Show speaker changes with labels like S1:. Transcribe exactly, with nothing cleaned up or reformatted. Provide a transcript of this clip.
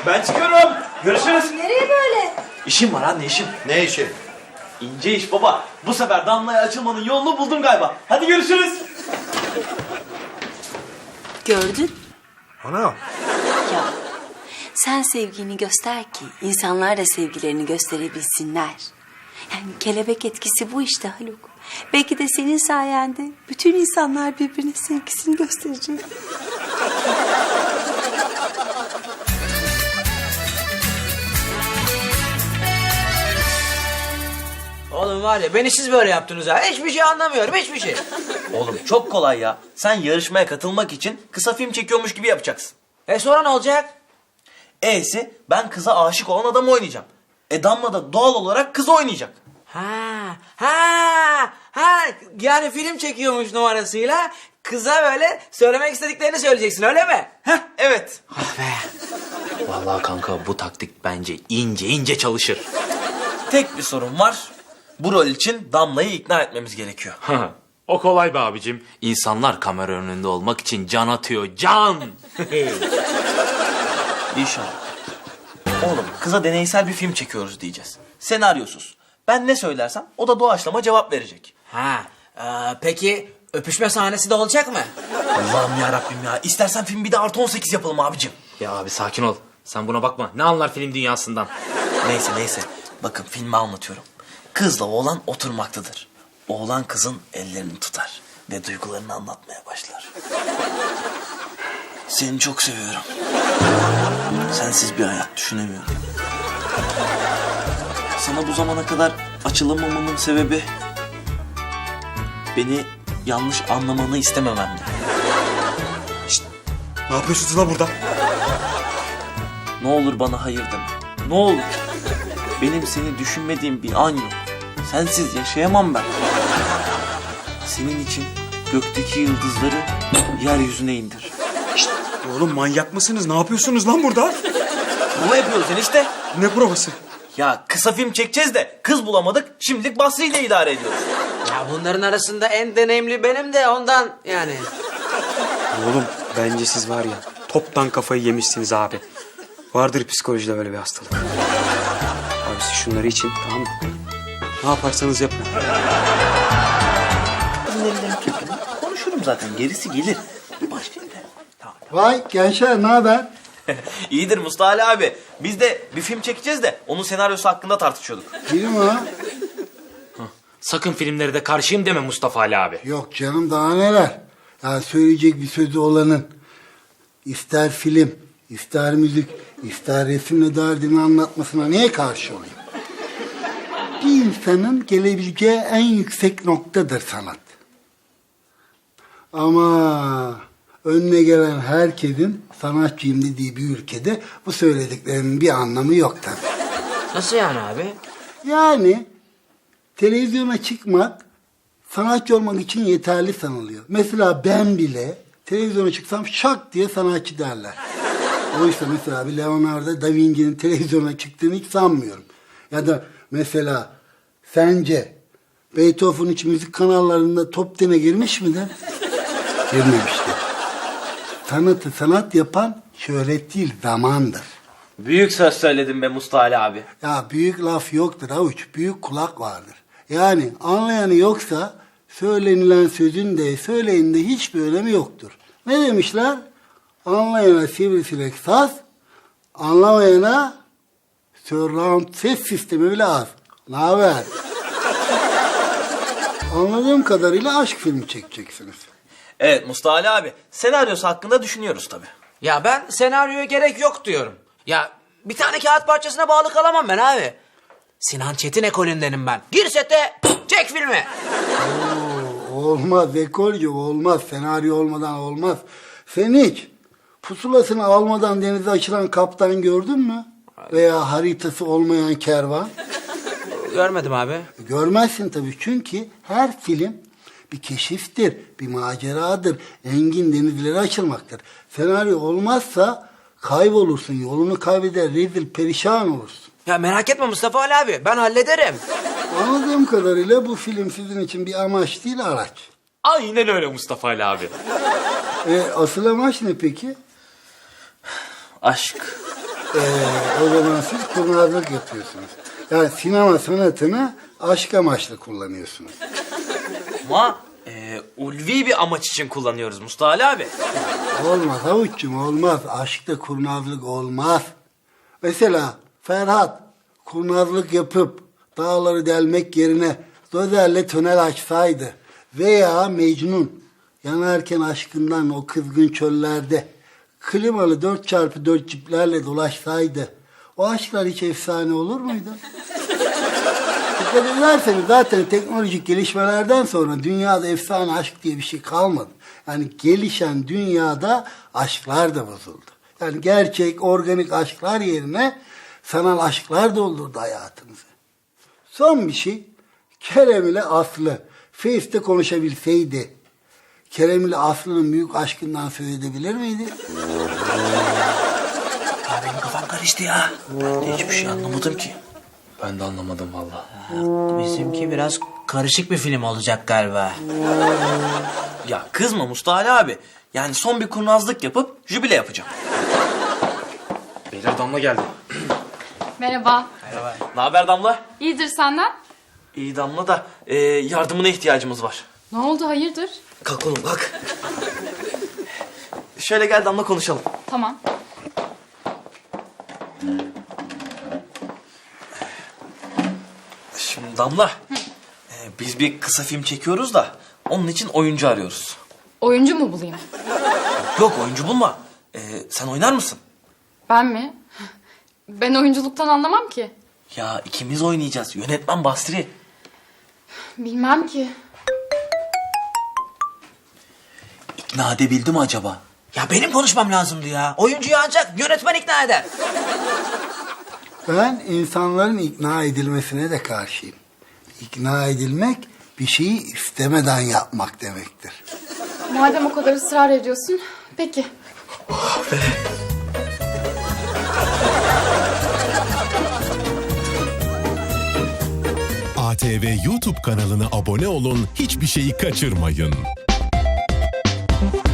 S1: Ben çıkıyorum. Görüşürüz.
S2: Nereye böyle?
S1: İşim var anne, işim.
S3: Ne işi?
S1: İnce iş baba. Bu sefer Damla'ya açılmanın yolunu buldum galiba. Hadi görüşürüz.
S4: Gördün?
S3: Ana.
S4: Ya sen sevgini göster ki insanlar da sevgilerini gösterebilsinler. Yani kelebek etkisi bu işte Haluk. Belki de senin sayende bütün insanlar birbirine sevgisini gösterecek.
S5: Oğlum var ya beni siz böyle yaptınız ha. Hiçbir şey anlamıyorum, hiçbir şey.
S1: Oğlum çok kolay ya. Sen yarışmaya katılmak için kısa film çekiyormuş gibi yapacaksın.
S5: E sonra ne olacak?
S1: E'si ben kıza aşık olan adamı oynayacağım. E Damla da doğal olarak kız oynayacak.
S5: Ha, ha, ha. Yani film çekiyormuş numarasıyla kıza böyle söylemek istediklerini söyleyeceksin, öyle mi?
S1: Heh evet.
S5: Ah be. Vallahi kanka bu taktik bence ince ince çalışır.
S1: Tek bir sorun var. Bu rol için Damla'yı ikna etmemiz gerekiyor.
S6: O kolay be abicim. İnsanlar kamera önünde olmak için can atıyor. Can!
S1: İnşallah. Oğlum kıza deneysel bir film çekiyoruz diyeceğiz. Senaryosuz. Ben ne söylersem o da doğaçlama cevap verecek.
S5: Ha, e, peki öpüşme sahnesi de olacak mı?
S1: Allah'ım ya Rabbim ya. İstersen film bir de artı on sekiz yapalım abicim.
S6: Ya abi sakin ol. Sen buna bakma. Ne anlar film dünyasından?
S1: Neyse neyse. Bakın filmi anlatıyorum. Kızla oğlan oturmaktadır. Oğlan kızın ellerini tutar ve duygularını anlatmaya başlar. Seni çok seviyorum. Sensiz bir hayat düşünemiyorum. Sana bu zamana kadar açılamamamın sebebi beni yanlış anlamanı istemememdi.
S3: Ne yapıyorsunuz lan burada?
S1: Ne olur bana hayır deme. Ne olur. Benim seni düşünmediğim bir an yok. Sensiz yaşayamam ben. Senin için gökteki yıldızları yeryüzüne indir.
S3: Oğlum manyak mısınız? Ne yapıyorsunuz lan burada?
S1: Prova yapıyoruz enişte.
S3: Ne provası?
S1: Ya kısa film çekeceğiz de kız bulamadık. Şimdilik Basri ile idare ediyoruz.
S5: Ya bunların arasında en deneyimli benim de ondan yani.
S7: Oğlum bence siz var ya toptan kafayı yemişsiniz abi. Vardır psikolojide böyle bir hastalık. Abi siz şunları için tamam mı? Ne yaparsanız yapın.
S1: Ellerini tuttum. Konuşurum zaten gerisi gelir. Başlayayım da. Tamam.
S8: Vay gençler ne haber?
S1: İyidir Mustafa Ali abi. Biz de bir film çekeceğiz de onun senaryosu hakkında tartışıyorduk.
S8: Kim o?
S6: Sakın filmleri de karşıyım deme Mustafa Ali abi.
S8: Yok canım daha neler. Ya söyleyecek bir sözü olanın ister film, ister müzik, ister resimle derdini anlatmasına niye karşı olayım? Bir insanın gelebileceği en yüksek noktadır sanat. Ama önüne gelen herkesin sanatçıyım dediği bir ülkede bu söylediklerinin bir anlamı yok tabii.
S5: Nasıl yani abi?
S8: Yani televizyona çıkmak sanatçı olmak için yeterli sanılıyor. Mesela ben bile televizyona çıksam şak diye sanatçı derler. Oysa mesela bir Leonardo da Vinci'nin televizyona çıktığını hiç sanmıyorum. Ya da mesela sence Beethoven hiç müzik kanallarında top ten'e girmiş midir? Girmemiştir. Sanatı sanat yapan şöhret değil zamandır.
S1: Büyük söz söyledin be Mustafa Ali abi.
S8: Ya büyük laf yoktur avuç, büyük kulak vardır. Yani anlayanı yoksa söylenilen sözün de söyleyin de hiçbir önemi yoktur. Ne demişler? Anlayana sivrisinek saz, anlamayana surround ses sistemi bile az. Ne haber? Anladığım kadarıyla aşk filmi çekeceksiniz.
S1: Evet Mustafa Ali abi. Senaryosu hakkında düşünüyoruz tabii.
S5: Ya ben senaryoya gerek yok diyorum. Ya bir tane kağıt parçasına bağlı kalamam ben abi. Sinan Çetin ekolündenim ben. Gir sete, çek filmi.
S8: Olmaz ekolcu olmaz. Senaryo olmadan olmaz. Sen hiç pusulasını almadan denize açılan kaptan gördün mü? Veya haritası olmayan kervan?
S5: Görmedim abi.
S8: Görmezsin tabii çünkü her film bir keşiftir, bir maceradır. Engin denizlere açılmaktır. Senaryo olmazsa kaybolursun, yolunu kaybeder, rezil perişan olursun.
S5: Ya merak etme Mustafa Ali abi, ben hallederim.
S8: Anladığım kadarıyla bu film sizin için bir amaç değil, araç.
S6: Aynen öyle Mustafa Ali abi.
S8: E, asıl amaç ne peki?
S1: Aşk.
S8: Ee, o zaman siz kurnazlık yapıyorsunuz. Yani sinema sanatını aşk amaçlı kullanıyorsunuz.
S1: Ama e, ulvi bir amaç için kullanıyoruz Mustafa Ali abi.
S8: Olmaz havuççum olmaz. Aşkta kurnazlık olmaz. Mesela Ferhat kurnazlık yapıp dağları delmek yerine dozerle tünel açsaydı veya Mecnun yanarken aşkından o kızgın çöllerde klimalı dört çarpı dört ciplerle dolaşsaydı o aşklar hiç efsane olur muydu? Dikkat ederseniz zaten teknolojik gelişmelerden sonra dünyada efsane aşk diye bir şey kalmadı. Yani gelişen dünyada aşklar da bozuldu. Yani gerçek, organik aşklar yerine sanal aşklar doldurdu hayatımızı. Son bir şey, Kerem ile Aslı Face'te konuşabilseydi, Kerem ile Aslı'nın büyük aşkından söz edebilir miydi?
S1: Ya benim kafam karıştı ya. Ben de hiçbir şey anlamadım ki.
S6: Ben de anlamadım vallahi.
S5: Bizimki biraz karışık bir film olacak galiba.
S1: Ya kızma Mustafa Ali abi. Yani son bir kurnazlık yapıp jübile yapacağım.
S6: Beyler Damla geldi.
S2: Merhaba.
S1: Ne haber Damla?
S2: İyidir senden?
S1: İyi Damla da e, yardımına ihtiyacımız var.
S2: Ne oldu hayırdır?
S1: Kalk oğlum kalk. Şöyle gel Damla konuşalım.
S2: Tamam.
S1: Şimdi Damla, e, biz bir kısa film çekiyoruz da onun için oyuncu arıyoruz.
S2: Oyuncu mu bulayım?
S1: Yok oyuncu bulma. E, sen oynar mısın?
S2: Ben mi? Ben oyunculuktan anlamam ki.
S1: Ya ikimiz oynayacağız. Yönetmen Basri.
S2: Bilmem ki.
S1: İkna edebildi mi acaba?
S5: Ya benim konuşmam lazımdı ya. Oyuncuyu ancak yönetmen ikna eder.
S8: Ben insanların ikna edilmesine de karşıyım. İkna edilmek bir şeyi istemeden yapmak demektir.
S2: Madem o kadar ısrar ediyorsun. Peki.
S9: A T V YouTube kanalına abone olun, hiçbir şeyi kaçırmayın.